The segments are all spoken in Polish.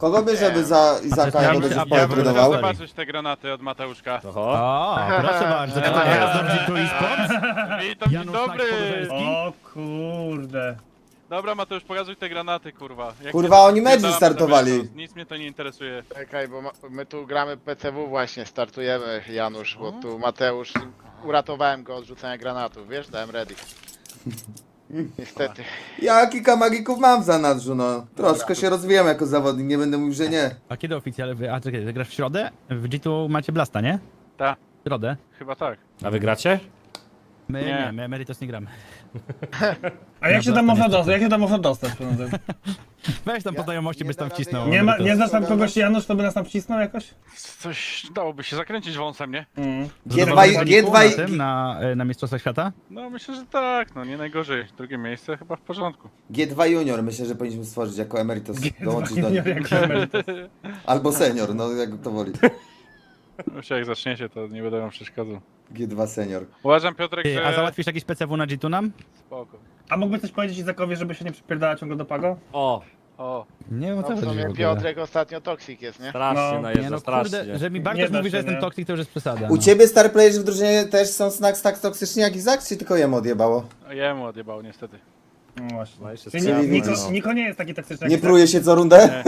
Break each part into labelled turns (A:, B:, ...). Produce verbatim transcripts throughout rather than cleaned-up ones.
A: Kogo bierzemy za Izaka, jak
B: Ja
A: będziesz
B: bym- ja bym
A: potrenował?
B: chciał zobaczyć te granaty od Mateuszka.
C: Oho.
D: O, proszę bardzo, to
C: Tak
D: teraz
C: jest.
D: dobrze tu i sport?
B: Witam, dzień
D: Janusz
B: dobry!
D: Nak-Podolski.
E: O kurde.
B: Dobra Mateusz, pokazuj te granaty, kurwa. Jak
A: Kurwa,
B: nie-
A: oni mecz
B: spierdalamy
A: startowali.
B: do meczu. Nic mnie to nie interesuje.
F: Czekaj, bo ma, my tu gramy P C W właśnie, startujemy Janusz, bo tu Mateusz, uratowałem go od rzucenia granatów, wiesz, dałem ready. Niestety.
A: Ja kilka magików mam w zanadrzu, no. Troszkę się rozwijam jako zawodnik, nie będę mówił, że nie.
D: A kiedy oficjalnie wy... A czekaj, ty grasz w środę? W G dwa macie Blasta, nie?
B: Ta,
D: W środę?
B: chyba tak.
C: A wy gracie?
D: My
B: Nie.
D: nie, my Meritos nie gramy.
E: A jak się tam można dostać? Jak się tam można dostać? panowie?
D: Weź tam po znajomości,
A: nie
D: byś tam
A: da
D: wcisnął.
A: rady.
E: Nie, ma,
D: Meritos.
E: nie znasz tam kogoś Janusz, to by nas tam wcisnął jakoś?
B: Coś dałoby się zakręcić wąsem, nie?
E: Mm.
A: G dwa,
D: Zadowolony
A: G dwa,
D: na tym, na, y, na Mistrzostwach Świata?
B: No myślę, że tak, no nie najgorzej. Drugie miejsce chyba w porządku.
A: G dwa Junior myślę, że powinniśmy stworzyć jako emeritus. Dołączyć do
E: Nie
A: nich.
E: wiem, jak emeryt.
A: Albo senior, no jak to woli.
B: Już jak zaczniecie, to nie będę wam przeszkadzał.
A: G dwa senior.
B: Uważam Piotrek,
D: Ty,
B: że...
D: a załatwisz jakiś P C W na G dwa nam?
B: Spoko.
E: A mógłbyś coś powiedzieć Izakowi, żeby się nie przypierdała ciągle do Pago?
C: O,
B: O,
D: Nie, o
F: No
D: co
F: w
D: chodzi w
F: sumie
D: ogóle?
F: Piotrek ostatnio toksik jest, nie?
C: strasznie
E: No.
D: Nie
C: najeżdża,
D: no
C: strasznie.
D: kurde, że mi
E: Nie
D: Bartosz
E: da
D: mówi,
E: się,
D: że jestem
E: nie?
D: toksik, to już jest przesada.
A: U
D: no.
A: ciebie star playerzy w drużynie też są snacks tak toksyczni jak Izak, czy tylko jemu odjebało?
B: jemu odjebało niestety.
E: No właśnie.
C: No i się
E: Czyli
C: strzela,
E: Niko, Niko,
C: no.
E: Niko nie jest taki toksyczny
A: Nie
E: jak
A: pruje się co rundę?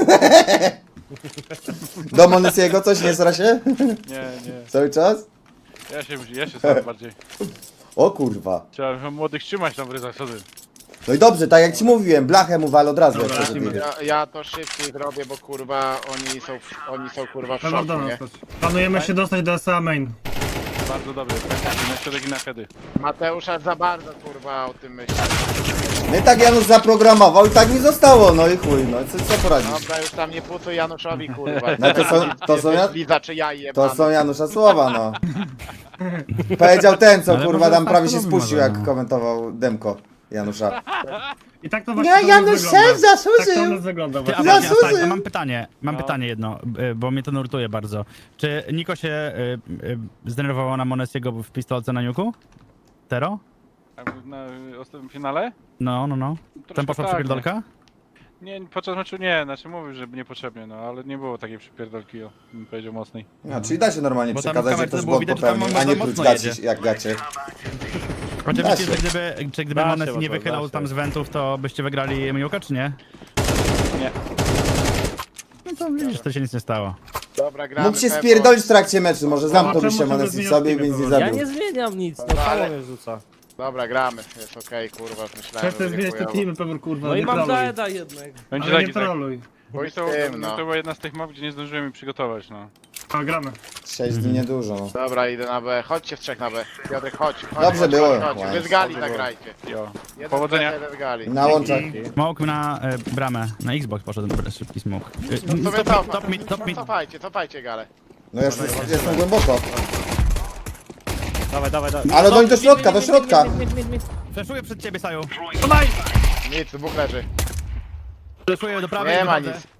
A: Do Monesiego coś nie sra się?
B: Nie, nie.
A: Cały czas?
B: Ja się, ja się sam bardziej.
A: O kurwa.
B: Trzeba młodych trzymać tam w ryzach, co ty?
A: No i dobrze, tak jak ci mówiłem, blachę mu wal od razu, jak
E: Dobra,
A: to
E: lecimy.
A: wyjdzie.
F: Ja, ja to szybciej zrobię, bo kurwa oni są, w- oni są kurwa w
E: Trzeba
F: szoku,
E: do
F: nie?
E: nas też. Planujemy się dostać do S A Main.
B: Bardzo dobry, pęknięty na środek i na hedy.
F: Mateusz aż za bardzo kurwa o tym myśli.
A: No i tak Janusz zaprogramował i tak mi zostało, no i chuj, no co, co poradzisz?
F: Dobra, już tam nie pucuj Januszowi kurwa.
A: No to są- to są ja-
F: Liza czy ja jebany.
A: To są Janusza słowa, no. Powiedział ten, co
D: Ale
A: kurwa
D: może
A: tam prawie się
D: tak
A: spuścił,
D: może,
A: jak
D: no.
A: komentował Demko Janusza.
E: I tak to właśnie
A: Nie,
E: to u nas
A: Janusz
E: wygląda.
A: szef zasłużył.
E: Tak to u nas wygląda
D: Ty, a
E: właśnie.
D: właśnie, a
A: Zasłużył.
D: tak, a mam pytanie, mam
B: No.
D: pytanie jedno, y, bo mnie to nurtuje bardzo. Czy Niko się y, y, zdenerwował na Monesiego w pistolce na niuku? Tero?
B: A na ostatnim finale?
D: No, no, no.
B: Troszkę
D: Tam poszła
B: tak,
D: przepierdolka?
B: Nie, nie, podczas meczu nie, znaczy mówił, że niepotrzebnie, no ale nie było takiej przypierdolki, o, bym powiedział mocnej.
A: No, czyli da się normalnie
D: Bo tam w
A: przekazać, że
D: kamerce
A: ktoś
D: było
A: błąd
D: widać, że tam
A: popełnił,
D: on
A: a nie
D: mocno
A: pluć gaci,
D: jedzie.
A: jak gacie.
D: Oczywiście,
A: Da
D: że
A: się.
D: gdyby, czy gdyby
C: Da się,
D: Mones nie
C: Mateusz,
D: wychylał
C: da się.
D: tam z wentów, to byście wygrali Miłka, czy nie?
B: Nie.
D: No to widzisz, to się nic nie stało.
F: Dobra, gramy.
A: Mógł się
F: Pepo.
A: spierdolić w trakcie meczu, może zamknąłby
E: czemu
A: się
E: ciągle
A: Monesi
E: zmieniasz
A: sobie i
E: teamy,
A: więc nie
E: Paweł?
C: Ja
A: zabił.
C: nie zmieniam nic, no
F: Dobra,
C: samo
F: ale-
C: mnie rzuca.
F: Dobra, gramy. Jest okej, kurwa, już myślałem,
E: Przestań
F: że
E: zmieniać te
F: chujowo.
E: teamy, Pewor, kurwa,
C: No i
E: nie
C: mam
E: troluj.
C: Daeda jednak.
B: Będzie
E: Ale
B: tak
E: nie
B: i tak.
E: troluj.
B: Bo i to,
F: Tym, no.
B: to była jedna z tych map, gdzie nie zdążyłem mi przygotować, no.
E: A, gramy.
A: Sześć dni niedużo, no.
F: Dobra, idę na B. Chodźcie w trzech na B. Piotrek, chodź. chodź
A: Dobrze
F: chodź,
A: było.
F: Chodź, chodź.
A: Ładnie.
F: Wy z gali
B: Dobrze było.
F: zagrajcie.
B: Jo.
F: Jeden
B: Powodzenia.
F: z B, jeden z gali.
A: Na łączach.
D: Smoke na y, bramę, na Xbox poszedł ten szybki smoke. Y,
F: No to
D: top,
F: wy
D: mid, top mid, top mid.
F: Cofajcie, cofajcie galę.
A: No ja już jestem głęboko.
C: Dawaj, dawaj, dawaj.
A: Ale doń do środka, do środka.
D: Fleszuję przed ciebie, Saju.
F: Nic, dwóch leży.
D: Fleszuję do prawej.
F: Nie ma
D: wychodzę.
F: nic.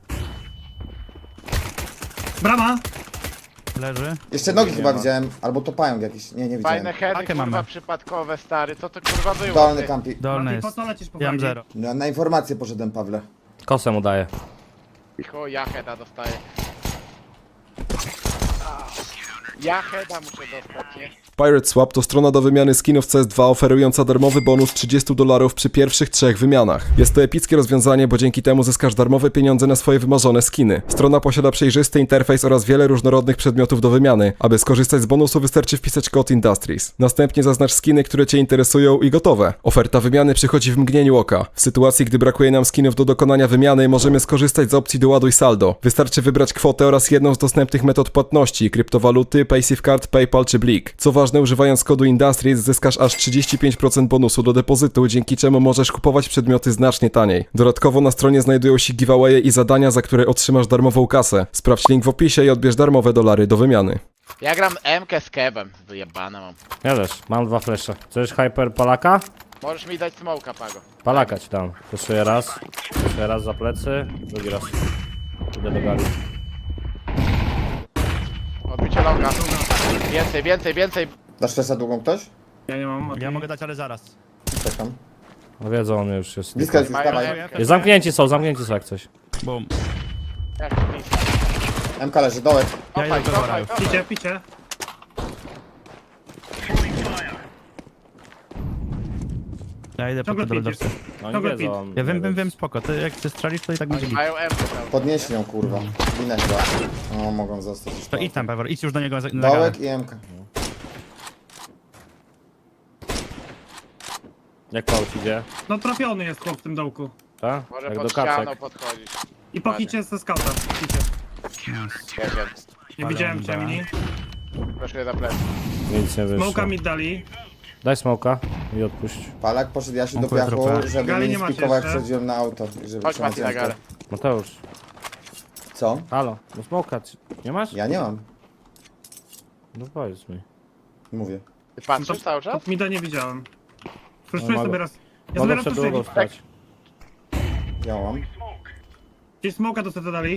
E: Brama!
D: Leży.
A: Jeszcze nogi chyba widziałem, albo to pająk jakiś, nie, nie widziałem.
F: Fajne heady,
D: Pakę
F: kurwa,
D: mamy.
F: przypadkowe, stary. Co to kurwa było?
A: Dolny
F: ty?
A: kampi.
D: Dolny
E: Mati,
D: jest.
E: po co lecisz po
D: Ja mam
E: flagi?
D: zero.
A: No, na informację poszedłem, Pawle.
C: Kosę mu daję.
F: Chuj, ja heada dostaję. Ja heada muszę dostać, nie?
G: Pirate Swap to strona do wymiany skinów C S dwa oferująca darmowy bonus trzydzieści dolarów przy pierwszych trzech wymianach. Jest to epickie rozwiązanie, bo dzięki temu zyskasz darmowe pieniądze na swoje wymarzone skiny. Strona posiada przejrzysty interfejs oraz wiele różnorodnych przedmiotów do wymiany. Aby skorzystać z bonusu wystarczy wpisać kod Industries. Następnie zaznacz skiny, które Cię interesują i gotowe. Oferta wymiany przychodzi w mgnieniu oka. W sytuacji, gdy brakuje nam skinów do dokonania wymiany, możemy skorzystać z opcji doładuj saldo. Wystarczy wybrać kwotę oraz jedną z dostępnych metod płatności, kryptowaluty, PaySafeCard, PayPal czy Blik. Co ważne, używając kodu Industries zyskasz aż trzydzieści pięć procent bonusu do depozytu, dzięki czemu możesz kupować przedmioty znacznie taniej. Dodatkowo na stronie znajdują się giveawaye i zadania, za które otrzymasz darmową kasę. Sprawdź link w opisie i odbierz darmowe dolary do wymiany.
F: Ja gram M-kę z kebem. Wyjebane mam.
C: Ja też, mam dwa flesze. Chcesz hyper palaka?
F: Możesz mi dać smoka, Pago.
C: Palaka ci dam. Fleszuję raz. Fleszuję raz za plecy. Drugi raz. Idę do gali.
F: Odbicie longa. Więcej, więcej, więcej.
A: Dasz flesza długą ktoś?
E: Ja nie mam. Mati.
D: Ja mogę dać, ale zaraz.
A: Czekam.
C: No wiedzą, on już jest.
A: Bliska jest,
F: Mają
A: dawaj.
F: M-kę.
C: Zamknięci są, zamknięci są jak coś.
D: Bum.
F: Jak
A: M K leży, dołek.
D: Ja idę
F: Cofaj,
D: do
F: cofaj,
D: Gora.
F: cofaj.
E: Picie, picie.
D: Ja idę po
E: Ciągle
D: to do
E: pięć
D: lodowca.
C: No nie
E: Dobra,
C: wiedzą.
D: Ja wiem, wiem, wiem, spoko. Ty jak chcesz strzelić, to i tak będzie
F: Oni
D: git.
F: mają M cały.
A: Podnieśli ją, kurwa. Winę chyba. No, mogą zostać. już
D: To idź tam, Pewor, idź już do niego za- na galę.
A: Dołek i M K.
C: Jak Paul idzie?
E: No trafiony jest chłop w tym dołku.
C: Tak?
F: Może
C: Jak
F: pod
C: do
F: ścianą
C: kaczek.
F: podchodzić.
E: I po hicie ze skauta. Hicie.
F: Wiecie,
E: Nie
D: Ale
E: widziałem
D: on
E: cię,
D: da.
E: mini.
F: proszę za plecy.
C: Nic nie wyszło.
E: Smoka mi dali.
C: Daj smoka i odpuść.
A: Palak poszedł Jasiu do
D: Dziękuję,
A: piachu,
D: trochę.
A: żeby
E: Gali
A: mnie
E: nie
A: nie
E: macie
A: spikował jak
E: jeszcze?
A: wchodziłem na auto. I żeby
F: Chodź
A: trzymać
F: Mati na
A: rękę.
F: galę.
C: Mateusz,
A: Co?
C: halo, no smoka ci- nie masz?
A: Ja nie mam.
C: No powiedz mi.
A: Mówię.
F: Ty patrzysz cały czas?
E: Top mida nie widziałem. Freszuję
C: No,
E: sobie
C: mogę-
E: raz. Ja sobie
C: Mogę
E: raz
C: przed
E: freszuję.
C: drugą stać.
A: Ja mam.
E: Gdzieś smoka do seta dali.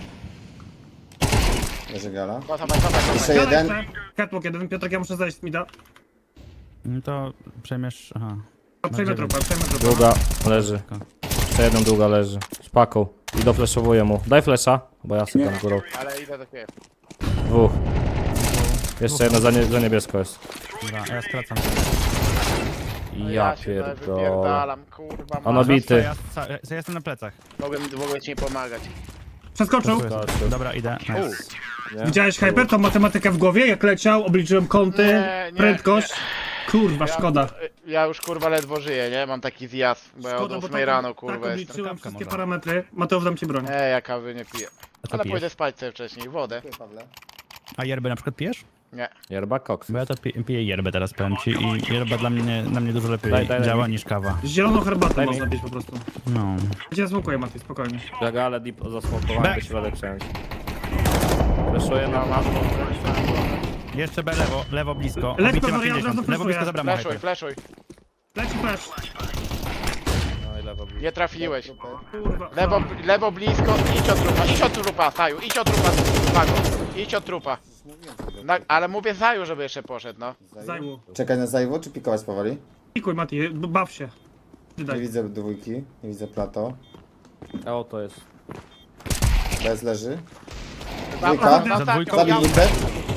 A: Leży gala.
F: Cofaj, cofaj, cofaj.
A: Jeszcze
E: Gala
A: jeden.
E: jeszcze. Catwalk jeden. Piotrek, ja muszę zejść z mida.
D: No to przejmiesz... Aha.
E: A, Przejmę
D: dziewięć.
E: trupa, przejmę trupa.
C: Długa leży. Jeszcze jeden długa leży. Z paką. I dofleszowuję mu. Daj flesza, bo ja sobie tam górą.
F: Ale idę do ciebie.
C: Dwóch. Jeszcze jedno za, nie, za niebiesko jest.
D: Dobra, ja skracam.
F: No
C: Ja
F: się tutaj
C: pierdolę.
F: wypierdalam, kurwa.
C: On
F: ma-
C: obity.
D: Ja, ja, ja jestem na plecach.
F: Mogłem, mogłem ci nie pomagać.
E: Przeskoczył.
C: Skoczył.
D: Dobra, idę. Nice.
C: Nie?
E: Widziałeś Hyper, tą matematykę w głowie? Jak leciał, obliczyłem kąty,
F: Nie, nie,
E: prędkość. Kurwa, szkoda.
F: Ja już kurwa ledwo żyję, nie? Mam taki zjazd, bo ja od
E: Szkoda, bo
F: ósmej
E: tak,
F: rano
E: tak
F: kurwa jestem.
E: obliczyłem
D: Kawka
E: wszystkie
D: może.
E: parametry. Mateusz, dam ci broń.
F: Nie, ja kawy nie piję.
D: A co
F: Ale
D: pijesz?
F: pójdę spać sobie wcześniej. Wodę?
A: Pawle.
D: A yerbę na przykład pijesz?
F: Nie.
C: Yerba koks.
D: Bo ja to pi- piję yerbę teraz, powiem ci. I yerba dla mnie, na mnie dużo lepiej
C: Daj, daj, daj
D: działa
C: mi.
D: niż kawa.
E: Zieloną herbatę
C: Daj mi.
E: można pić po prostu.
D: No.
E: Ja cię smokuję, Mati, spokojnie.
C: Jak ale deep zasmokowałem,
D: Back.
C: by środek przejąć. Fleszuję na masło.
D: Jeszcze B lewo, lewo blisko.
E: Leć,
D: Obity ma
E: Pewor, ja od razu
D: pięćdziesiąt. Lewo
E: flashuję.
D: blisko za bramą.
F: Fleszuj,
D: Hyper.
F: fleszuj.
E: Leci flash.
C: No i lewo blisko.
F: Nie trafiłeś.
E: Kurwa.
F: Lewo, lewo blisko, idź od trupa, idź od trupa, Saju, idź od trupa, Mago. Idź od trupa. Na, ale mówię Zaju, żeby jeszcze poszedł, no.
E: Zajmu.
A: Czekaj na zajwo, czy pikować powoli?
E: Pikuj, Mati, b- baw się.
A: Nie
E: Daj.
A: widzę dwójki, nie widzę plato.
C: A o to jest.
A: Bez leży.
F: Tam,
A: Dwójka.
F: na ostatnią,
D: dwójką.
A: Zabij
F: ja-
A: Lipę.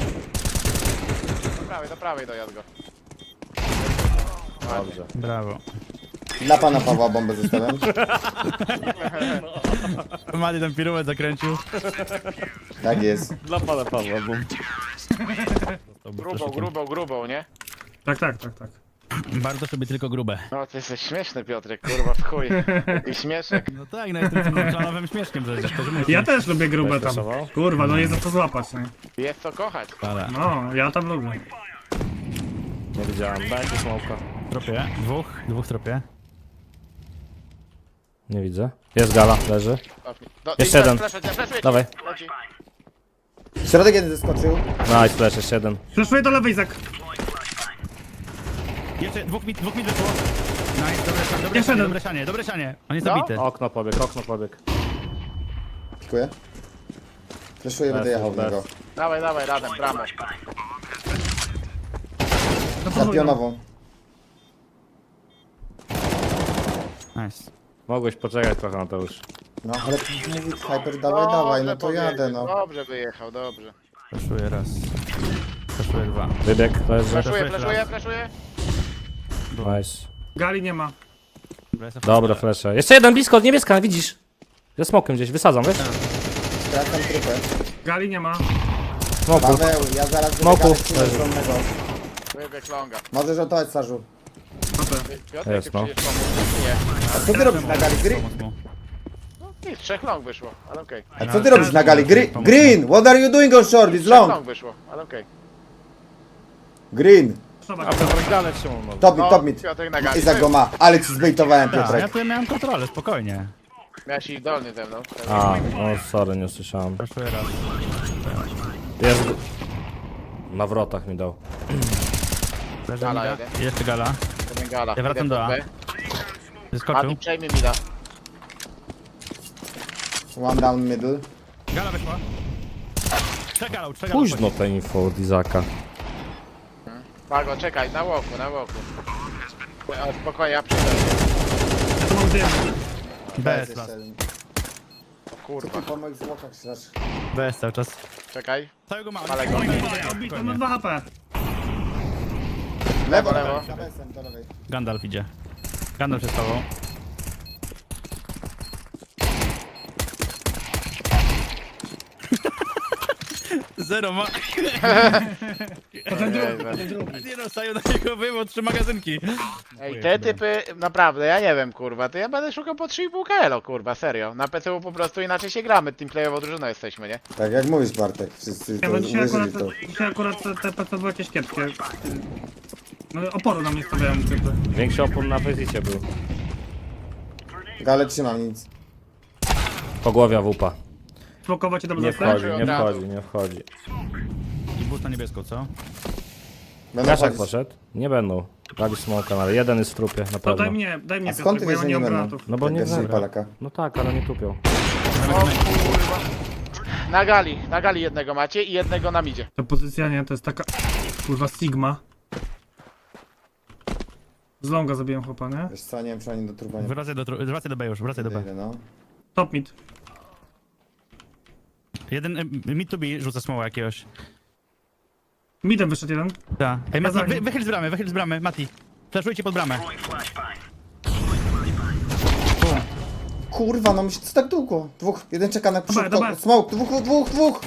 F: Do prawej, do prawej dojazd go.
C: Dobrze.
D: Brawo.
A: Dla pana Pawła bombę zostawiam.
D: Mady ten piruet zakręcił.
A: Tak jest.
C: Dla pana Pawła, bum.
F: Grubą, grubą, grubą, nie?
E: Tak, tak, tak, tak.
D: Bardzo sobie tylko grube.
F: No ty jesteś śmieszny, Piotrek, kurwa, w chuj. I śmieszek.
D: No tak, no jestem tym klanowym śmieszkiem przecież. To, że musi.
E: Ja też lubię grube tam.
C: Flashował?
E: Kurwa, no jest za co złapać, nie?
F: Jest co kochać.
D: Ale.
E: No, ja tam lubię.
C: Nie widziałem. Dajcie smoka.
D: Tropie. Dwóch. Dwóch tropie.
C: Nie widzę. Jest gala, leży.
F: Do,
C: Jeszcze jeden.
F: Flesze, flesze, flesze,
C: Dawaj.
F: leci.
A: Środek jeden zeskoczył.
C: Nice, flash, jeszcze jeden.
E: Flashuję do lewej, Izak.
D: Jeszcze dwóch mit, dwóch mit wyszło. Nice, dobre, dobre,
E: Jeszcze
D: sianie,
E: jeden.
D: dobre sianie, dobre sianie. On jest
F: No.
D: zabity.
C: Okno pobieg, okno pobieg.
A: Dziękuję. Fleszuję, będę
C: Bez,
A: jechał w
C: bez.
A: niego.
F: Dawaj, dawaj, razem, bramę.
A: Za pionową.
D: Nice.
C: Mogłeś poczekać trochę, Mateusz.
A: No ale mówi Hyper, dawaj, dawaj, no to
F: Dobrze
A: jadę,
F: powiedział,
A: no.
F: Dobrze wyjechał, dobrze.
D: Flashuję raz. Flashuję dwa.
C: Wybieg, leży.
F: Flaszuję,
D: Flash,
F: flaszuję,
D: raz.
F: flaszuję.
C: Nice.
E: Gali nie ma.
C: Dobra, flesze. Jeszcze jeden blisko, niebieska, widzisz? Ze smokiem gdzieś, wysadzam, wiesz?
A: Skracam trupę.
E: Gali nie ma.
C: Smoku.
A: Paweł, ja zaraz
C: Smoku.
A: będę gadać stronnego.
F: Wybieg longa.
A: Możesz ratować, Sarzu.
F: Piotrek,
C: Jest,
F: ty
C: no.
F: przecież pomógł. Nie.
A: A co ty robisz na gali? Green?
F: No, nic, trzech long wyszło, ale okej.
A: A co ty robisz na gali? Green, Green, what are you doing on short? It's
F: Trzech
A: long.
F: long wyszło, ale okej.
A: Green.
C: A to galę trzymał, no.
A: Top mid,
F: No,
A: top mid.
F: Piotrek na gali.
A: Izak go ma, ale ci zbejtowałem,
D: Ja, ja
A: Piotrek.
D: tu miałem kontrolę, spokojnie.
F: Miałeś iść dolny ze mną.
C: A, o sorry, nie usłyszałem.
D: Flashuję raz.
C: Jest... go- Na wrotach mi dał.
D: Leży
F: Gala
D: mida.
F: jeden.
D: Jeszcze gala.
F: Jeden gala.
D: Ja wracam
F: Idę
D: do A.
F: pod B.
D: Wyskoczył.
F: Mati, przejmij mi da.
A: One down middle.
D: Gala wyszła. Trzech galał, trzech galał.
C: Późno te info od Izaka.
F: Mago, czekaj, na łoku, na łoku. O, spokojnie, ja przyjdę.
E: Ja tu mam dym.
D: Bez
A: Jest
D: las.
A: jeszcze jeden.
F: kurwa.
A: Po moich zwłokach strasz.
D: Bez cały czas.
F: Czekaj.
D: Całego ma.
F: Ale go.
E: Obity, on ma dwa H P.
F: Lewo, lewo.
A: Za besem, do lewej.
D: Gandalf idzie. Gandalf jest z tobą. Zero ma.
E: To ten drugi, to ten drugi.
D: Nie dostają na niego wymo trzy magazynki.
F: Ej, te typy, naprawdę, ja nie wiem, kurwa, to ja będę szukał po trzy i pół kilo, kurwa, serio. Na P C U po prostu inaczej się gramy, teamplayowo drużyną jesteśmy, nie?
A: Tak jak mówisz, Bartek, wszyscy
E: Ja
A: to
E: bo dzisiaj akurat,
A: uwierzyli to.
E: dzisiaj akurat te, te P C były jakieś kiepskie. No oporu na mnie stawiają typy.
C: Większy opór na Fezicie był.
A: Gale trzymam, nic.
C: Pogłowia wupa.
E: Smokować i tam
C: Nie
E: zostać?
C: wchodzi, nie wchodzi, nie wchodzi.
D: I boost na niebieską, co?
A: Będą
C: Kaszak
A: chodzić.
C: poszedł? Nie będą. Dali smoka, ale jeden jest w trupie, na
E: To
C: pewno.
E: daj mnie, daj mnie
A: A skąd ty
E: Piotrek, bo
A: wiesz,
E: ja
A: że
E: nie
A: nie
E: mam
A: będą?
E: granatów.
C: No bo
A: Jak
C: nie
A: wiesz, że
C: zagra.
A: Palaka.
C: No tak, ale nie tupią.
F: O kurwa. Na gali, na gali jednego macie i jednego na midzie.
E: Ta pozycja nie, to jest taka... Kurwa Sigma. Z longa zabiłem chłopa, nie?
A: Wiesz co, nie wiem, czy oni do trupa nie
D: Wracaj do, tru- wracaj do B już, wracaj do B.
A: podejdę, no.
E: Top mid.
D: Jeden y, mid to B rzuca smoła jakiegoś.
E: Midem wyszedł jeden.
D: Tak. Ej, Mati,
E: za nim.
D: wy, wychyl z bramy, wychyl z bramy, Mati. Flashujcie pod bramę.
A: Kurwa, no myślę, co tak długo? Dwóch, jeden czeka na przód,
E: dobra.
A: smoke, dwóch, dwóch, dwóch!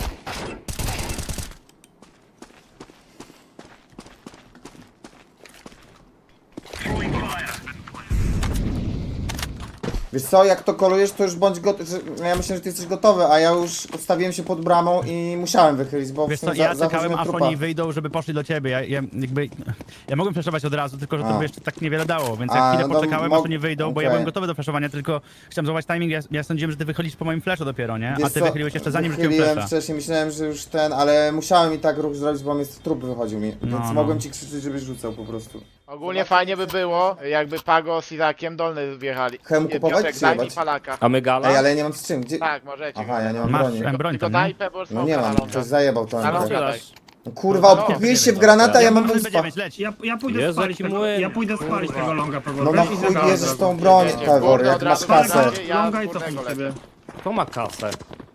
A: Wiesz co, jak to kolujesz, to już bądź gotowy. Ja myślę, że ty jesteś gotowy, a ja już ustawiłem się pod bramą i musiałem wychylić, bo
D: Wiesz
A: w
D: co,
A: sumie
D: ja
A: za,
D: czekałem
A: zachodziłem
D: aż
A: trupa.
D: oni wyjdą, żeby poszli do ciebie. Ja, ja jakby... Ja mogłem flashować od razu, tylko że to
A: A.
D: by jeszcze tak niewiele dało, więc
A: A,
D: ja chwilę
A: no to
D: poczekałem,
A: mog-
D: aż oni wyjdą, bo ja
A: okej.
D: byłem gotowy do flashowania, tylko chciałem złapać timing, ja, ja sądziłem, że ty wychodzisz po moim flashu dopiero, nie?
A: Wiesz
D: A ty
A: co,
D: wychyliłeś jeszcze zanim rzuciłem
A: wychyliłem
D: flasha.
A: wcześniej, myślałem, że już ten, ale musiałem i tak ruch zrobić, bo mi z trup wychodził mi,
D: No,
A: więc
D: no.
A: mogłem ci krzyczeć, żebyś rzucał po prostu.
F: Ogólnie fajnie by było, jakby Pago z Izakiem dolny wjechali.
A: Hem
F: Nie,
A: kupować,
F: Piotrek,
A: czy
F: daj mi
A: jebać?
F: Palaka.
C: A my gala?
A: Ej, ale ja nie mam z czym, gdzie?
F: Tak, możecie.
A: Aha, ja nie mam
D: Masz
A: broni.
D: M broń
F: Tylko
D: tam, nie?
F: daj Pebble
A: No nie mam, ktoś zajebał to
F: Na
A: M P.
F: lądzie.
C: Otwierasz.
A: No kurwa,
F: No,
A: odkupiłeś się w
C: no,
A: granata, ja mam
D: Mamy
A: wyspa.
D: dziewięć, leć.
E: Ja, ja pójdę
C: Jezu,
E: spalić
C: jaki
E: tego,
C: młyn.
E: ja pójdę spalić
F: Kurwa.
E: tego longa Pegor.
A: No na chuj bierzesz tą broń, Pegor, jak masz kasę.
F: Ja
E: Longa i
F: górnego
E: cofnij
F: lecę.
E: sobie.
C: Kto ma kasę?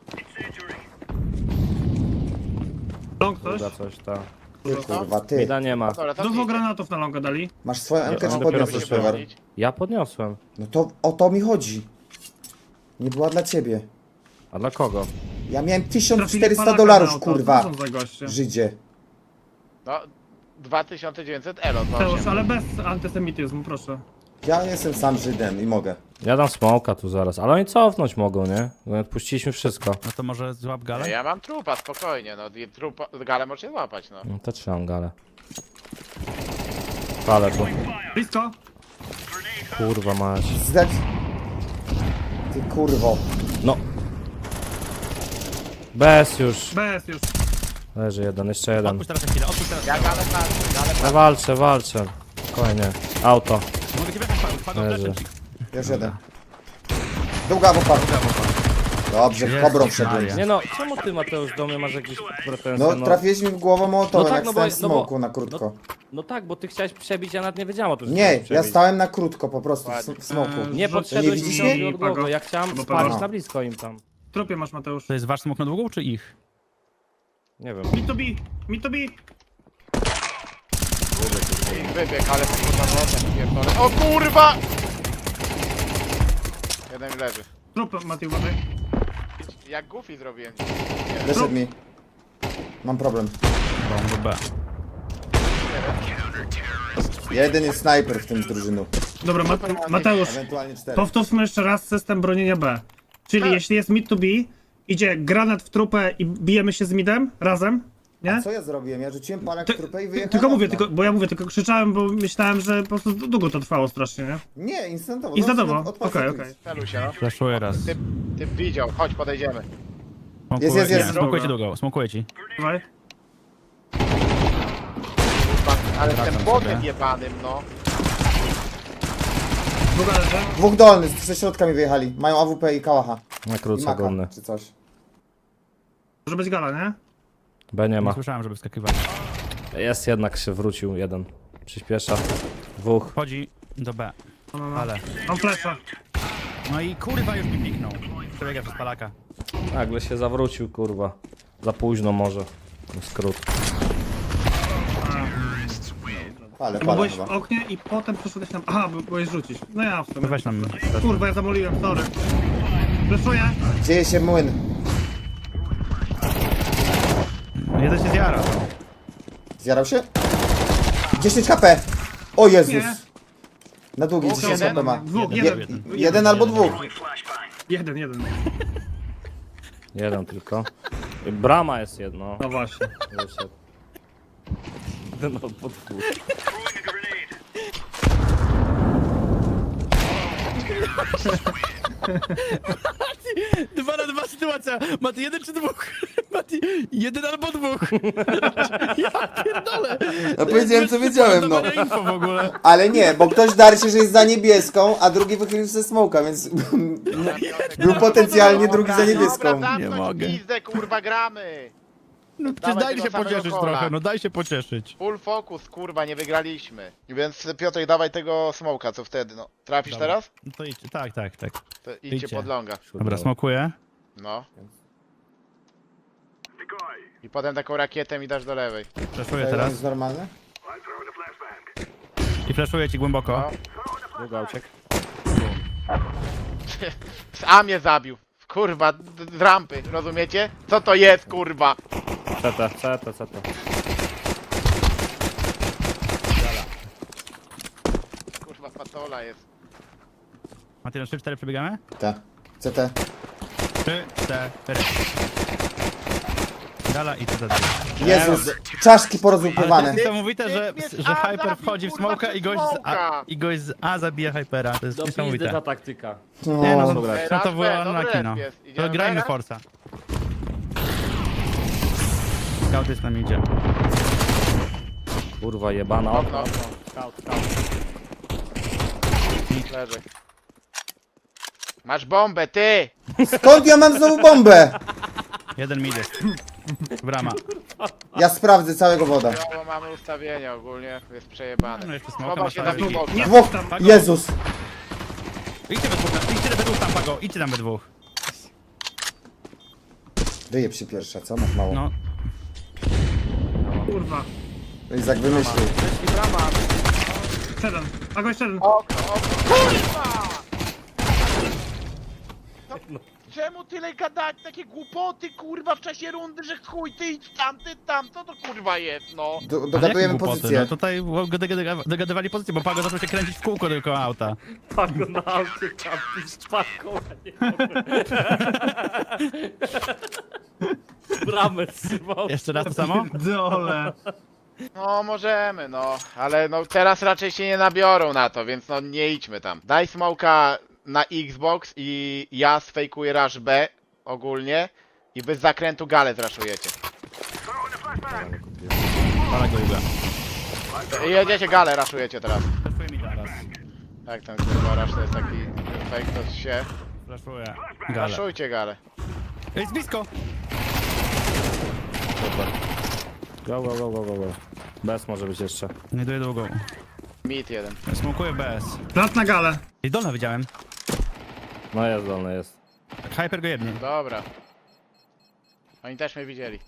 E: Long coś?
C: Kurwa coś, ta.
A: Ty kurwa, ty.
C: Mida nie ma.
F: Dobra, to
E: Dużo
F: idź.
E: granatów na longa dali.
A: Masz swoją M K
C: on
A: czy
C: dopiero
A: podniosłeś,
C: wyszedł.
A: Pegor?
C: Ja podniosłem.
A: No to o to mi chodzi. Nie była dla ciebie.
C: A dla kogo?
A: Ja miałem tysiąc
E: Trafili
A: czterysta
E: Polaka
A: dolarów,
E: na auto.
A: kurwa.
E: Co są za goście?
A: Żydzie.
F: No, dwa tysiące dziewięćset elo, to
E: Teusz,
F: osiem.
E: ale bez antysemityzmu, proszę.
A: Ja jestem sam Żydem i mogę.
C: Ja dam smoka tu zaraz, ale oni cofnąć mogą, nie? Bo odpuściliśmy wszystko.
D: No to może złap galę?
F: Ja mam trupa, spokojnie, no i trupa, galę możecie złapać, no.
C: No to trzymam galę. Palę tu.
E: Blisko.
C: Kurwa mać.
A: Zdać. Ty kurwo.
C: No. Bez już.
E: Bez już.
C: Leży jeden, jeszcze jeden.
D: Odpuść teraz na chwilę, odpuść teraz.
F: Ja galę patrzę, galę
C: No walczę, walczę. Spokojnie. Auto.
D: Mogę cię wjechać, Pago, Pago,
C: Leży.
D: fleszem ci.
A: Już jeden. Długa w oparciu. Dobrze, w kobrą
D: Jezus
A: wszedłem.
D: Maria.
C: Nie no, czemu ty Mateusz do mnie masz jakieś pretensje?
A: No trafiłeś mi w głowę mołotowem,
C: No tak,
A: jak
C: no
A: stałem
C: bo-
A: w
C: no bo-
A: smoku na krótko.
C: No tak, bo ty chciałeś przebić, ja nawet nie wiedziałem o tym, że
A: Nie,
C: chciałeś
A: ja
C: przebić.
A: stałem na krótko po prostu w, s- w smoku.
E: Eee,
C: Nie
E: Rzuć-
C: podszedłeś
A: Nie widzisz
C: mi
A: mnie?
C: od głowy, ja chciałem
E: Albo
C: spalić
A: Pago.
C: na blisko im tam.
E: W trupie masz, Mateusz.
D: To jest wasz smok na długą, czy ich?
C: Nie wiem.
E: Mi to bi, mi to bi.
F: I wybieg, ale kurwa wodę, pierdolę. O kurwa! Jeden leży.
E: Trup, Mati, uważaj.
F: Jak Goofy zrobiłem.
A: Wyszedł mi. Mam problem.
D: Bomb B.
A: Jeden jest snajper w tym drużynu.
E: Dobra, Mat Mateusz,
A: Ewentualnie cztery.
E: powtórzmy jeszcze raz system bronienia B. Czyli
F: Tak.
E: jeśli jest mid to B, idzie granat w trupę i bijemy się z midem razem, nie?
A: Co ja zrobiłem? Ja rzuciłem palak
E: Ty,
A: w trupę i
E: ty,
A: wyjechałem.
E: tylko mówię,
A: okno.
E: tylko, bo ja mówię, tylko krzyczałem, bo myślałem, że po prostu długo to trwało strasznie, nie?
A: Nie, instantowo.
E: Instantowo,
A: Od- od
E: okej,
A: palca
E: okej.
A: twist.
F: Celuj się, no.
D: Flashuję raz.
F: Ty, ty widział, chodź podejdziemy.
D: Smokuję-
A: Jest, jest, jest.
D: Nie, smokuję ci długą, smokuję ci.
E: Dawaj.
F: Ale z
D: Wracam
F: tym botem
D: sobie.
F: jebanym, no.
E: Długa leży.
A: Dwóch dolnych, ze środka mi wyjechali. Mają A W P i kałacha.
C: Na
A: I
C: krótce
A: maka,
C: górny.
A: czy coś.
E: Może być gala, nie?
C: B nie
D: Nie
C: ma.
D: słyszałem, żeby wskakiwali.
C: Jest jednak się wrócił jeden. Przyspiesza. Dwóch.
D: Wchodzi do B.
E: No, no, no.
D: Ale.
E: Mam flesza.
D: No i kurwa już mi piknął. Przebiega przez palaka.
C: Nagle się zawrócił, kurwa. Za późno może. Skrót.
A: Ale
E: Bo
A: pada
E: byłeś
A: chyba.
E: w oknie i potem przyszedłeś tam. Aha, bo byłeś rzucić. No ja w sumie.
D: Weź nam.
E: Kurwa, ja zamoliłem, sorry. Fleszuję.
A: Dzieje się młyn.
D: Jeden się zjara.
A: Zjarał się? dziesięć H P! O Jezus!
E: Nie.
A: Na długi dziesięć
F: jeden?
A: H P ma.
E: Dwóch,
A: Je,
E: jeden.
D: jeden.
A: jeden albo dwóch.
E: Jeden, jeden.
C: Jeden tylko. I brama jest jedno.
E: No właśnie.
C: Wyszedł. Jeden albo dwóch.
D: Dwa na dwa sytuacja. Mati, jeden czy dwóch? Mati, jeden albo dwóch. Ja pierdolę.
A: No powiedziałem co wiedziałem, no.
D: Dawanie info w ogóle.
A: Ale nie, bo ktoś darł się, że jest za niebieską, a drugi wychylił ze smoka, więc był potencjalnie drugi za niebieską.
F: Dobra, zamknąć
D: Nie mogę.
F: pizdę, kurwa, gramy.
D: No przecież
F: Dawaj
D: daj
F: tego
D: się
F: samego
D: pocieszyć
F: kola.
D: trochę, no daj się pocieszyć.
F: Full focus, kurwa, nie wygraliśmy. Więc Piotr, dawaj tego smoka, co wtedy, no. Trafisz
D: Dobra.
F: teraz?
D: No to idź, tak, tak, tak.
F: To idźcie
D: Idźcie.
F: pod longa.
D: Dobra, smokuję.
F: No. I potem taką rakietę mi dasz do lewej.
D: Flashuję
A: To
D: teraz.
A: jest normalne?
D: I flashuję ci głęboko.
F: No.
C: Długa uciek.
F: A mnie zabił. Kurwa, d- z rampy, rozumiecie? Co to jest, kurwa?
C: C T, C T, C T.
F: Kurwa, patola jest.
D: Mati, na trzy cztery przebiegamy?
A: Tak. C T.
D: trzy cztery. Gala i C T.
A: Jezus, czaszki
D: Ale to
A: porozłupywane.
D: jest niesamowite, że,
F: Mnie z
D: że
F: A
D: Hyper
F: zabił,
D: wchodzi w
F: kurwa,
D: smoka i
F: przez
D: gość, z A,
F: smoka.
D: i gość z A zabija Hypera. To jest
C: Do pizdy
D: niesamowite.
C: ta taktyka.
D: Nie no,
A: No.
D: no,
F: Ej,
D: no
F: raz
D: to
F: B,
D: była
F: dobry
D: unlucky, no.
F: jest.
D: To
F: Idziemy
D: grajmy
F: teraz?
D: Forza. Scout jest nam idzie.
C: Kurwa jebana.
F: Okno,
C: Okno.
F: okno.
C: Scout, scout.
F: Leży. Masz bombę, ty!
A: Skąd ja mam znowu bombę?
D: Jeden mid jest. Brama.
A: Ja sprawdzę całego woda.
F: No, bo mamy ustawienie ogólnie, jest przejebane.
D: No jeszcze smoka
F: Chował
D: masz
F: się
D: na
F: na
D: wiki.
F: dwóch.
E: Nie
A: Dwóch.
E: tam.
A: Jezus.
D: Idźcie we dwóch, idźcie we dwóch tam, Pago. Idźcie tam we dwóch.
A: Wyjeb się pierwsza, co? Masz mało.
D: No.
E: Kurwa.
A: Izak wymyślił.
F: I brama.
E: Jeden. A gość jeden.
F: Okno, okno. Kurwa! No, czemu tyle gadać takie głupoty, kurwa, w czasie rundy, że chuj, ty idź tam, ty tam, co to kurwa jest, no?
A: Do,
D: Ale jakie
A: dogadujemy
D: głupoty?
A: pozycję.
D: No tutaj dogadywali dogadywali pozycję, bo Pago zaczął się kręcić w kółko tylko auta.
C: Pago na aucie kampi z czapką, a nie bramę trzymał.
D: Jeszcze raz to samo?
E: Dole.
F: No, możemy, no, ale no teraz raczej się nie nabiorą na to, więc no nie idźmy tam. Daj smoka na Xbox i ja sfejkuję rush B ogólnie i wy z zakrętu galę zraszujecie.
D: Pala go Juga.
F: I jedziecie galę, raszujecie teraz.
D: Flashuję mi teraz.
F: Tak, ten kurwa rush to jest taki fake, to się...
D: Flashuję. Gale.
F: Raszujcie galę.
D: Jest blisko!
C: Go, go, go, go, go, go. Bez może być jeszcze.
D: Nie doję długą.
F: Mid jeden.
D: Smokuję B S.
E: Plat na galę.
D: I dolna widziałem.
C: No jest dolny, jest.
D: Hyper go jednie.
F: Dobra. Oni też mnie widzieli.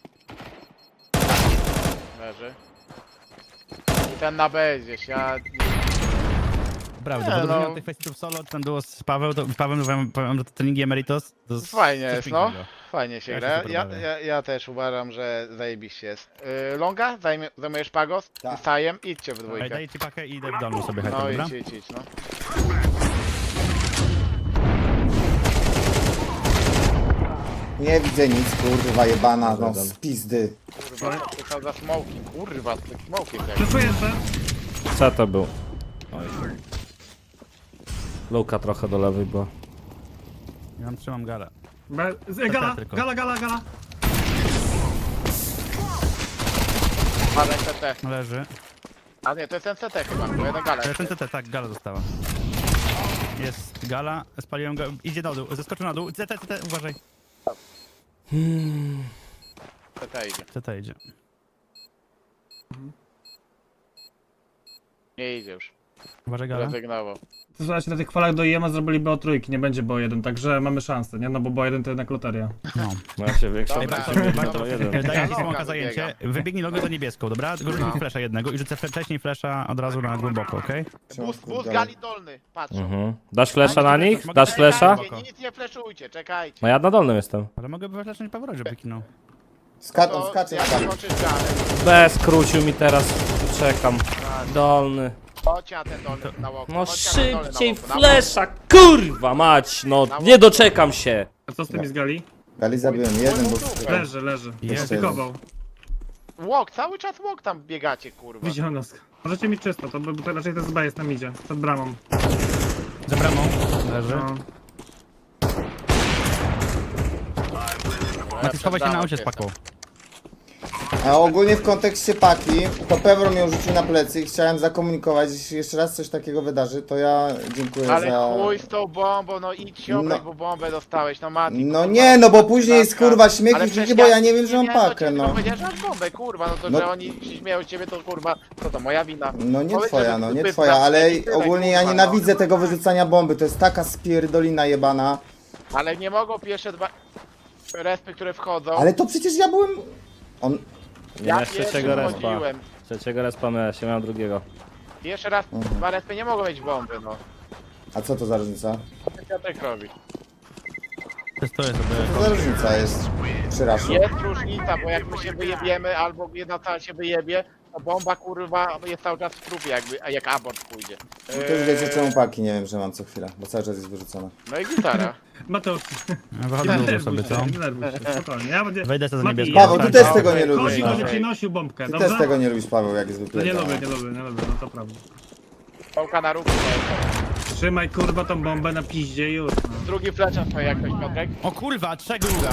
F: Leży. I ten na B jest gdzieś, ja...
D: Prawda,
F: Nie,
D: bo drużyna
F: no.
D: tych festiwalów solo, ten duo z Paweł, to, Paweł powiem, powiem, że to treningi Emeritus. To jest
F: Fajnie
D: coś
F: jest, no.
D: pięknego.
F: Fajnie się
D: Ja się
F: gra.
D: super
F: Ja,
D: bawię.
F: ja, ja też uważam, że zajebiście jest. Yy, Longa? Zajmie, zajmujesz Pagos?
A: Tak.
F: Z Sajem? Idźcie w
D: Ej,
F: dwójkę.
D: daj ci pakę i idę w domu sobie Hyper,
F: No
D: dobra?
F: idź, idź, idź, no.
A: Nie widzę nic, kurwa jebana, no z pizdy.
F: Kurwa, co to za smoki? Kurwa, z tych smokiem jak...
E: Fleszuję jeszcze.
C: C T był. Oj. Luka trochę do lewej była.
D: Ja tam trzymam galę.
E: Be- z- Gala,
D: tylko.
E: gala, gala, gala.
F: Padaj C T.
D: Leży.
F: A nie, to jest ten C T chyba, bo jeden gala.
D: To jest ten T T, tak, gala została. Jest gala, spaliłem go, idzie na dół, zeskoczył na dół. C T, C T, uważaj.
F: C T idzie.
D: C T idzie.
F: Nie idzie już.
D: Uważaj, gala.
F: Rezygnował.
E: Słuchajcie, na tych falach do I M A zrobiliby o trójki, nie będzie bo jeden, także mamy szansę, nie? No bo bo jeden to jednak loteria.
D: No.
C: No jak się większa
F: Dobra,
C: to to jeden.
D: Daję ci
F: Loga
D: smoka zajęcie, wybiegnij logo za niebieską, dobra? Tylko rzuć mi flesza jednego i rzucę wcześniej flesza od razu na głęboko, okej?
F: Bus, bus gali dolny, patrz.
C: Mhm. Dasz flesza na nich? Dasz flesza?
F: Czekajcie, nic nie fleszujcie, czekajcie.
C: No ja na dolnym jestem.
D: Ale mogę wyflesznąć Pawora, żeby kinął.
A: Skacz,
F: To
A: on skacze na
F: jak
A: gali.
F: skoczysz galę,
C: Bez skrócił mi teraz. Czekam. Dolny.
F: chodź na ten dolny na łoku.
C: No
F: chodź na ten dolny na
C: szybciej
F: łoku, na
C: flesza, kurwa mać, no nie doczekam się.
E: A co z tymi z gali?
A: Gali zabiłem, jeden był.
E: Leży, leży.
C: Jeszcze
E: Stykował.
F: Łok, cały czas łok tam biegacie, kurwa.
E: Widział nas. Możecie mieć czysto, to, by- bo to raczej to z B jest na midzie, przed bramą.
D: Za bramą. Leży.
E: No.
D: Mati, schowaj się na aucie z paką.
A: A ogólnie w kontekście paki, to Pewor mnie rzucił na plecy i chciałem zakomunikować, jeśli jeszcze raz coś takiego wydarzy, to ja dziękuję
F: Ale
A: za...
F: chuj z tą bombą, no idź się obrać,
A: No.
F: bo bombę dostałeś, no Mati.
A: No
F: kurwa,
A: nie, no bo później jest
F: przypadka.
A: kurwa śmiech
F: Ale
A: i
F: przecież
A: krzyki, bo ja nie wiem, że mam
F: miałem do
A: pakę,
F: ciebie,
A: no.
F: tylko powiedziałem, że masz bombę, kurwa, no to,
A: No.
F: że oni się śmieją z ciebie, to kurwa, co to, moja wina?
A: No nie
F: Powiedz,
A: twoja,
F: że
A: no
F: ty
A: nie
F: byt
A: twoja,
F: na
A: ale
F: mnie i tyle,
A: ogólnie ja
F: kurwa,
A: nienawidzę
F: no.
A: tego wyrzucania bomby, to jest taka spierdolina jebana.
F: Ale nie mogą pierwsze dwa respy, które wchodzą.
A: Ale to przecież ja byłem... On...
C: Nie
F: ja
C: masz trzeciego
F: pierwszy
C: respa.
F: wchodziłem.
C: Trzeciego respa miałeś, ja miałem drugiego.
F: Pierwszy raz
A: Mhm.
F: dwa respy nie mogą mieć bomby, no.
A: A co to za różnica?
F: Co tak robi?
D: Testuję
A: Co
D: sobie.
A: to za różnica jest przy raszu?
F: Jest różnica, bo jak my się wyjebiemy, albo jedna cała się wyjebie, to bomba kurwa jest cały czas w trupie, jakby, a jak abort pójdzie.
A: No to już wiecie czemu paki nie wiem, że mam co chwilę, bo cały czas jest wyrzucona.
F: No i gitara.
E: Mateusz,
D: Ja wychodzę
E: nie
D: długo
E: denerwuj
D: sobie, co?
E: się, nie denerwuj się, spokojnie. Ja będzie...
D: Wejdę sobie za
E: Mati,
D: niebieską.
A: Paweł, ty
D: Tak,
A: też
D: no.
A: tego nie lubisz,
E: Chodzi,
A: no.
E: będzie ci nosił bombkę,
A: Ty
E: dobrze?
A: też tego nie lubisz, Paweł, jak jest
E: No nie
A: wypierdolony.
E: lubię, nie lubię, nie lubię, no to prawda.
F: Pałka na ruchu.
E: Trzymaj kurwa tą bombę na piździe i już, no.
F: Drugi fleczem to jak ktoś Piotrek.
D: O kurwa, trzech druga.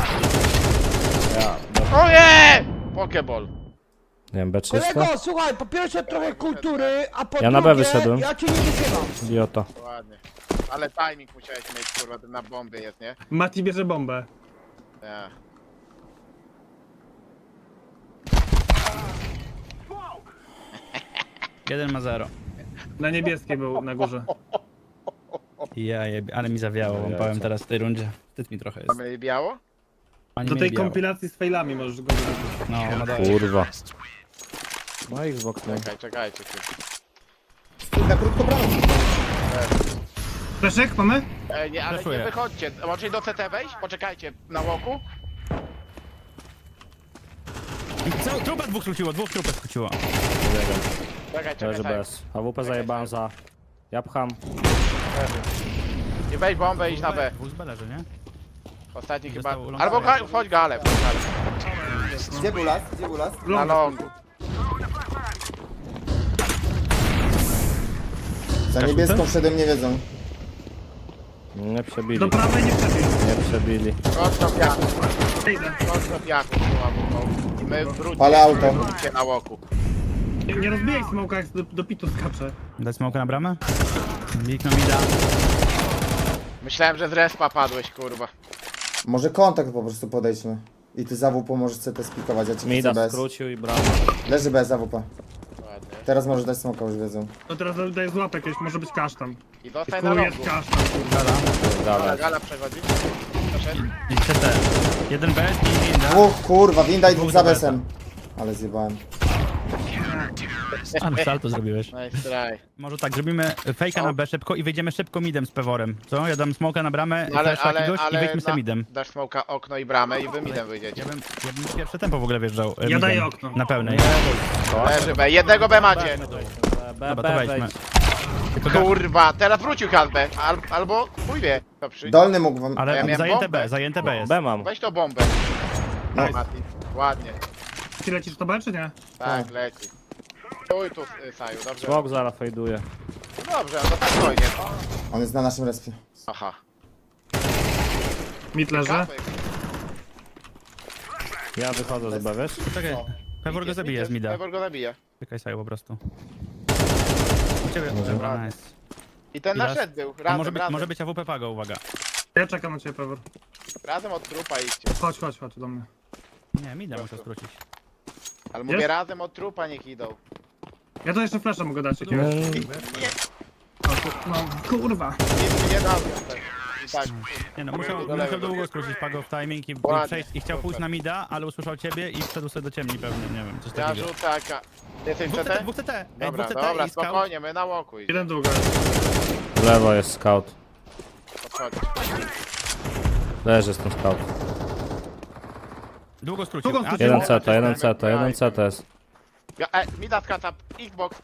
F: O nie! Pokeball.
C: Nie wiem, B trzysta?
H: Kolego, słuchaj, po pierwsze trochę kultury, a po
C: Ja na B
H: drugie,
C: wyszedłem.
H: ja cię nie wysyłam.
C: Idiota.
F: Ładnie. Ale timing musiałeś mieć, kurwa, ten na bombie jest, nie?
E: Mati bierze bombę.
F: Nie.
D: Jeden ma zero.
E: Na niebieskiej był na górze.
D: Ja jebie, ale mi zawiało, wam powiem teraz w tej rundzie. Wstyd mi trochę jest.
F: Mamy biało?
D: Ani
E: Do
D: mi
E: tej
D: biało.
E: kompilacji z failami możesz go zrobić.
D: No, no daj.
C: Kurwa. No Xbox, nie.
F: Czekaj, czekajcie. Ty.
A: Na krótko brawo.
E: Fleszek mamy?
F: E, nie, ale
D: Flashuję.
F: nie wychodźcie. Możecie do C T wejść? Poczekajcie na łoku.
D: Co? Trupę dwóch skróciło, dwóch trupę skróciło.
F: Czekaj, czekaj,
C: Leży
F: czekaj.
C: bez. A W P zajebałem za... Ja pcham.
F: Nie weź bombę, idź na B.
D: Dwóch z B leży, nie?
F: Ostatni chyba...
D: Został long
F: Albo
D: fire.
F: ga... wchodź galę, wchodź galę.
A: Gdzie był las? Gdzie był las?
F: Na longu.
A: Za niebieską wszedłem, nie wiedzą.
C: Nie przebili.
E: Do prawej nie przebij.
C: Nie przebili.
F: Chodź do piachu,
E: Idę.
F: chodź do piachu, kurwa, bo- I my wróćcie.
A: Ale auto.
F: Wróćcie na łoku.
E: Nie, nie rozbijaj smoka, jak do, do pitu skacze.
D: Dać smoka na bramę? Bikno mi da.
F: Myślałem, że z respa padłeś, kurwa.
A: Może kontakt po prostu podejdźmy. I ty za W P możesz C T spikować, ja ci chcę
C: Mida
A: bez.
C: skrócił i brama.
A: Leży bez za W P.
F: Ładnie.
A: Teraz możesz dać smoka, już wiedzą.
E: No teraz daję złapek jakieś, może być kasztan.
F: I zostań na
E: Chuj
F: longu.
E: jest kasztan.
F: Gala,
C: Dalej.
F: gala przechodzi. Proszę.
D: I C T. Jeden B i winda.
A: Dwóch, kurwa, winda i dwóch
D: Dwóch
A: za
D: za
A: besem. Ale zjebałem.
D: Ale salto zrobiłeś.
F: Nice try.
D: Może tak, zrobimy fejka na B szybko i wyjdziemy szybko midem z peworem. Co? Ja dam smoka na bramę,
F: Ale,
D: flasha
F: ale,
D: jakiegoś i
F: ale
D: wyjdźmy z
F: na,
D: midem.
F: dasz smoka, okno i bramę i wy midem wyjdziecie.
D: Ja bym, ja bym pierwsze tempo w ogóle wjeżdżał. e,
E: Ja
D: midem.
E: daję okno.
D: Na pełnej.
F: Leży B, jednego B macie.
C: B,
D: Dobra, to
C: B,
D: wejdźmy.
C: wejdź.
D: Tylko ga-
F: Kurwa, teraz wrócił K B, al, albo chuj wie. To przy...
A: Dolny mógł wam...
D: Ale
F: ja miałem
D: zajęte
F: bombę.
D: B, zajęte B jest.
C: B mam.
F: Weź to bombę. No,
A: Nice.
F: Mati. Ładnie.
E: Ty lecisz to B, czy nie?
F: Tak, leci. Stój tu, y, Saju, dobrze.
C: Smok zaraz fejduje.
F: Dobrze, no to tak spokojnie.
A: On jest na naszym respie.
F: Aha.
E: Mid leży.
F: Kapek.
C: Ja wychodzę z B, wiesz?
D: Czekaj, pewor go zabije z mida.
F: Pewor go zabije.
D: Czekaj Saju po prostu. U ciebie, dobra, nice.
F: I ten
D: I
F: nasz
D: raz-
F: set był,
D: A
F: razem,
D: może być,
F: razem.
D: może być A W P Pago, uwaga.
E: Ja czekam na ciebie, Pewor.
F: Razem od trupa idźcie.
E: Chodź, chodź, chodź do mnie.
D: Nie, mida muszę skrócić.
F: Ale mówię
E: Jest?
F: razem od trupa niech idą.
E: Ja to jeszcze flasza mogę dać jakiegoś.
C: Mm,
F: Nie,
E: No, kurwa.
F: Nic mi nie dał. I tak.
D: Nie no, musiał,
F: Do lewej.
D: musiał długo skrócić Pago w timing i, i,
F: Ładnie,
D: przejść, i chciał pójść
F: super.
D: na mida, ale usłyszał ciebie i wszedł sobie do ciemni pewnie, nie wiem, coś
F: Ja
D: takiego.
F: rzucę taka. Jesteś
D: Dwóch
F: C
D: C T,
F: T?
D: dwóch C T, ej,
F: Dobra,
D: dwóch C T
F: dobra,
D: i scout.
F: spokojnie, my na łoku idziemy.
E: Jeden długo.
C: W lewo jest scout.
F: Podchodź.
C: Leży z tym scout.
D: Długo skrócił.
E: Długo
D: A,
E: skrócił.
C: Jeden
D: ty-
C: C T, jeden C T, jeden C T jest.
F: Ja, e, mi da skraca, Xbox.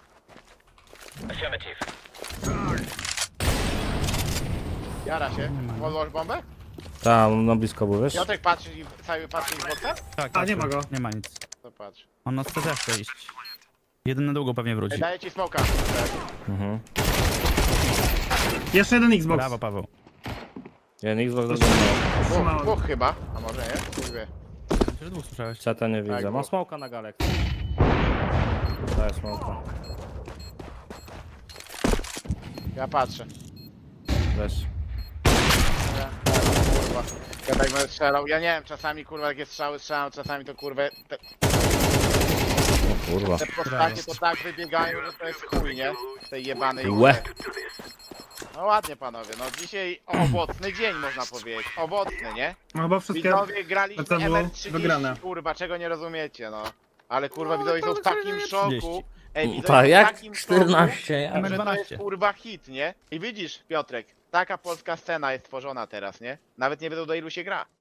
F: Jara się. Podłoż bombę?
C: Tam, no blisko był, wiesz?
F: Piotrek patrzy i cały patrzy Xboxa?
D: Tak,
E: A, nie ma go.
D: Nie ma nic.
F: To patrz.
D: On na C T chce iść. Jeden na długo pewnie
F: Ej,
D: wróci.
F: daję ci smoka.
C: Mhm.
E: Jeszcze jeden Xbox.
D: Brawo, Paweł.
C: Jeden Xbox, drugi no.
F: Dwóch,
E: Trzymałem.
F: dwóch chyba, a może nie? Kurwie.
D: Czy dwóch słyszałeś?
C: C T nie widzę.
F: Tak,
C: Ma
F: bo-
C: smoka na galek. Daję smoka.
F: Ja patrzę.
C: Weź.
F: Ja, kurwa. Ja tak będę strzelał. Ja nie wiem, czasami kurwa takie strzały strzelam, czasami to kurwa. Te,
C: O kurwa.
F: te postacie to tak wybiegają, że to jest chuj, nie? Tej jebanej
C: Łe.
F: grze. No ładnie panowie, no dzisiaj owocny dzień można powiedzieć. Owocny, nie?
E: No chyba wszystkie...
F: Widzowie graliśmy
E: to było
F: M R trzydzieści,
E: wygrane.
F: kurwa, czego nie rozumiecie, no. Ale kurwa widzowie są w takim szoku.
D: trzydzieści.
F: Ej, widzowie
C: Tak,
F: są w
C: jak
F: takim
C: czternaście,
F: szoku,
C: ja.
F: że to jest kurwa hit, nie? I widzisz, Piotrek, taka polska scena jest tworzona teraz, nie? Nawet nie wiedzą do ilu się gra.